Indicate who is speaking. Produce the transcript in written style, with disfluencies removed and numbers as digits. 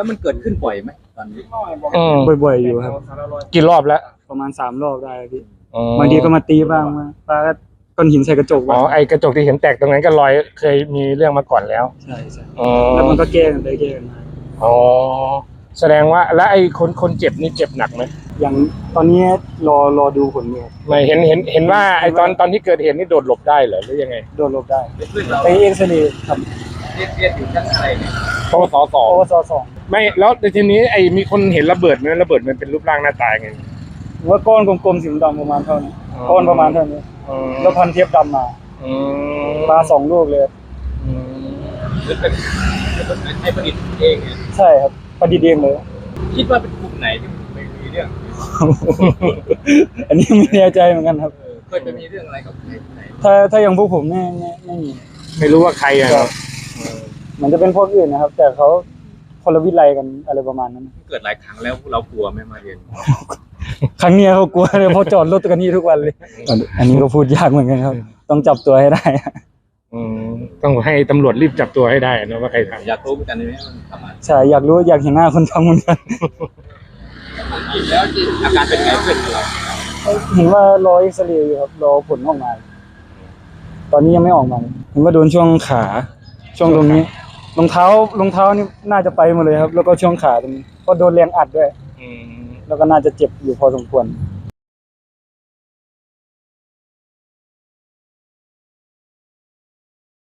Speaker 1: แล้วมันเกิดขึ้นบ่อยไหมตอนนี้
Speaker 2: บ่อยๆอยู่ครับ
Speaker 3: กี่รอบแล้ว
Speaker 2: ประมาณ3 รอบได้พี่บางทีก็มาตีบ้างมาปาก็ก้อนหินใส่กระจก
Speaker 3: อ๋อไอกระจกที่เห็นแตกตรงนั้นก็รอยเคยมีเรื่องมาก่อนแล้ว
Speaker 2: ใช่แล้วมันก็แก้กันไปแก้กันมา
Speaker 3: อ๋อแสดงว่าแล้วไอ้คนเจ็บนี่เจ็บหนักไหม
Speaker 2: อย่างตอนนี้รอดูผลอยู่
Speaker 3: ไม่เห็นว่าไอ้ตอนที่เกิดเหตุนี่โดดหลบได้เหรอหรือยังไง
Speaker 2: โดดหลบได้ไปเอ็กซเรย์ครับ
Speaker 1: เรียนอยู่ชั้นอะไรเนี่ย
Speaker 3: ปวส
Speaker 2: 2
Speaker 3: ไม่แล้วทีนี้ไอ้มีคนเห็นระเบิดไหมระเบิดมันเป็นรูปร่างหน้าตาไง
Speaker 2: ว่าก้อนกลมๆสีดำประมาณเท่านี้ก้อนประมาณเท่านี้แล้วพันเทปดำมาปลา2 ลูกเลย
Speaker 1: เป็นไอ้ประดิษฐ์เองเนี่ย
Speaker 2: ใช่ครับประดิษฐ์เองเลย
Speaker 1: คิดว่าเป็นกลุ่มไหนที่ไม่มีเรื่อง
Speaker 2: อันนี้ไม่แน่ใจเหมือนกันครับ
Speaker 1: เคยไปมีเรื่องอะไรกับไหน
Speaker 2: ถ้าอย่างพวกผมไม่มี
Speaker 3: ไม่รู้ว่าใครอะครับ
Speaker 2: มันจะเป็นพวกอื่นนะครับแต่เขาคนละวิไลกันอะไรประมาณนั้น
Speaker 1: เกิดหลายครั้งแล้วเรากลัวไหมมาเรียน
Speaker 2: ครั้งนี้เขากลัวเลยเพราะจอดรถกันนี่ทุกวันเลยอันนี้ก็พูดยากเหมือนกันครับต้องจับตัวให้ได้
Speaker 3: ต้องให้ตำรวจรีบจับตัวให้ได้นะว่าใครทำ
Speaker 1: อยากรู้เหมือนกันไหมมันทำอะไร
Speaker 2: ใช่อยากรู้อยากเห็นหน้าคนทำเหมือนกัน
Speaker 1: แล้วอาการเป็นไงเพื่อนเรา
Speaker 2: เห็นว่ารอเอ็กซเรย์อยู่ครับรอผลออกมาตอนนี้ยังไม่ออกมาเห็นว่าโดนช่วงขาช่วงตรงนี้รองเท้านี่น่าจะไปหมดเลยครับแล้วก็ช่วงขาตรงนี้ก็โดนแรงอัดด้วยแล้วก็น่าจะเจ็บอยู่พอสมควร